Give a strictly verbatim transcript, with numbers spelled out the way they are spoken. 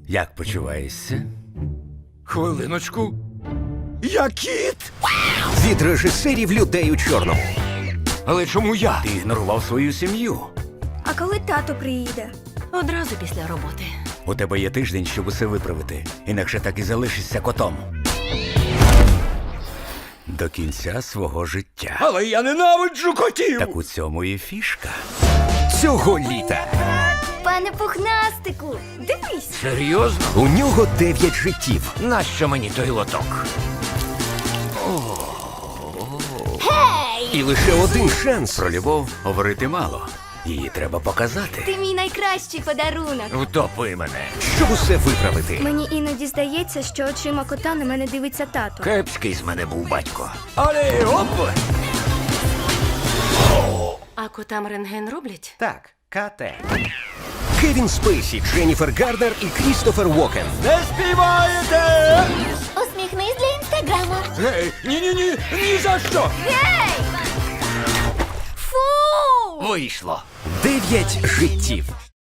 Як почуваєшся? Хвилиночку. Я кіт! Від режисерів людей у чорному. Але чому я? Ти ігнорував свою сім'ю. А коли тато приїде? Одразу після роботи. У тебе є тиждень, щоб усе виправити. Інакше так і залишишся котом. До кінця свого життя. Але я ненавиджу котів! Так у цьому і фішка. Цього літа Пане пухнастику, дивись. Серйозно? у нього дев'ять життів. Нащо мені той лоток? І лише один шанс Про любов говорити мало. Її треба показати. Ти мій найкращий подарунок. Втопи мене. щоб усе виправити. Мені іноді здається, що очима кота на мене дивиться тато. Кепський з мене був батько. Але оп! А котам рентген роблять? Так, КТ. Кевін Спейсі, Дженніфер Гарднер і Крістофер Уокен. Не співаєте! Усміхнись для інстаграму. Гей, ні-ні-ні, ні за що! Гей! Фу! Вийшло. Дев'ять життів.